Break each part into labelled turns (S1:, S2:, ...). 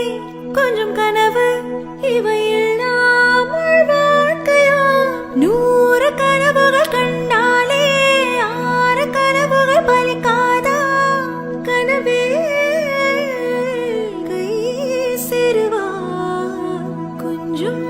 S1: கொஞ்சம் கனவு இவை இல்லாமல் வாழ்க்கையா 100 கனவுகள் கண்டாலே 6 கனவுகள் பலிக்காதா கனவே கை சேருவா கொஞ்சம்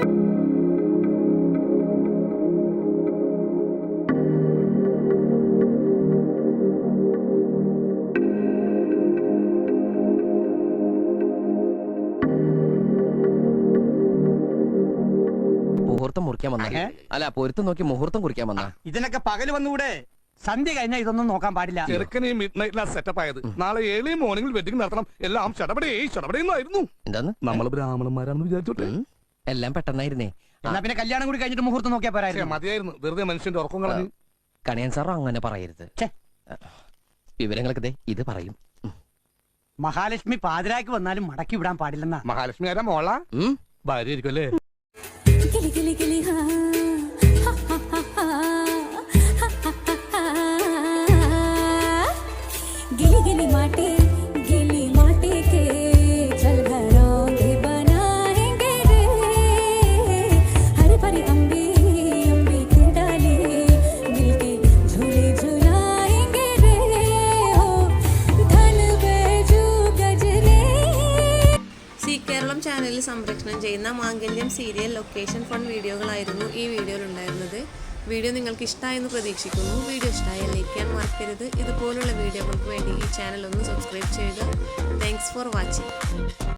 S2: മുഹൂർത്തം മുറിക്കാൻ വന്ന അല്ല പൊരുത്തം നോക്കി മുഹൂർത്തം കുറിക്കാൻ വന്ന
S3: ഇതിനൊക്കെ പകല് വന്നുകൂടെ? സന്ധ്യ കഴിഞ്ഞാൽ ഇതൊന്നും നോക്കാൻ പാടില്ല.
S4: ചെറുക്കനെ മിഡ് നൈറ്റിലാ സെറ്റപ്പ് ആയത്. നാളെ ഏർലി മോർണിംഗിൽ വെഡിങ് നടത്തണം. എല്ലാം ചടപടേന്നായിരുന്നു.
S2: എന്താന്ന്
S4: നമ്മൾ ബ്രാഹ്മണന്മാരാണെന്ന് വിചാരിച്ചോട്ടെ.
S2: എല്ലാം പെട്ടെന്നായിരുന്നേ.
S3: എന്നാ പിന്നെ കല്യാണം കൂടി കഴിഞ്ഞിട്ട് മുഹൂർത്തം നോക്കിയാ പോരായിരുന്നു.
S4: മതിയായിരുന്നു, വെറുതെ മനുഷ്യന്റെ ഉറക്കം കളഞ്ഞു.
S2: കണിയൻ സാറോ അങ്ങനെ പറയരുത്. വിവരങ്ങളൊക്കെ ദേ ഇത് പറയും.
S3: മഹാലക്ഷ്മി പാതിരാക്ക് വന്നാലും മടക്കി വിടാൻ പാടില്ലെന്നാ.
S4: മഹാലക്ഷ്മി ആരാ? മോള ഭാര്യ ആയിരിക്കും അല്ലേ?
S1: കിളി കിളി കിളി ഹാ ഹാ ഹാ गिली गिली माटी के चल घरौंदे बनाएंगे रे हरी भरी अम्बी के डाले मिलके झूले झुलाएंगे रे हो धन बेजू गजरे
S5: സി കേരളം ചാനലിൽ സംപ്രേഷണം ചെയ്യുന്ന മാംഗല്യം സീരിയൽ ലൊക്കേഷൻ ഫണ്ട് വീഡിയോകളായിരുന്നു ഈ വീഡിയോയിൽ ഉണ്ടായിരുന്നത്. വീഡിയോ നിങ്ങൾക്ക് ഇഷ്ടമായെന്ന് പ്രതീക്ഷിക്കുന്നു. വീഡിയോ ഇഷ്ടമായാൽ ലൈക്ക് ചെയ്യാൻ മറക്കരുത്. ഇതുപോലുള്ള വീഡിയോകൾക്ക് വേണ്ടി ഈ ചാനൽ ഒന്ന് സബ്സ്ക്രൈബ് ചെയ്യുക. Thanks for watching.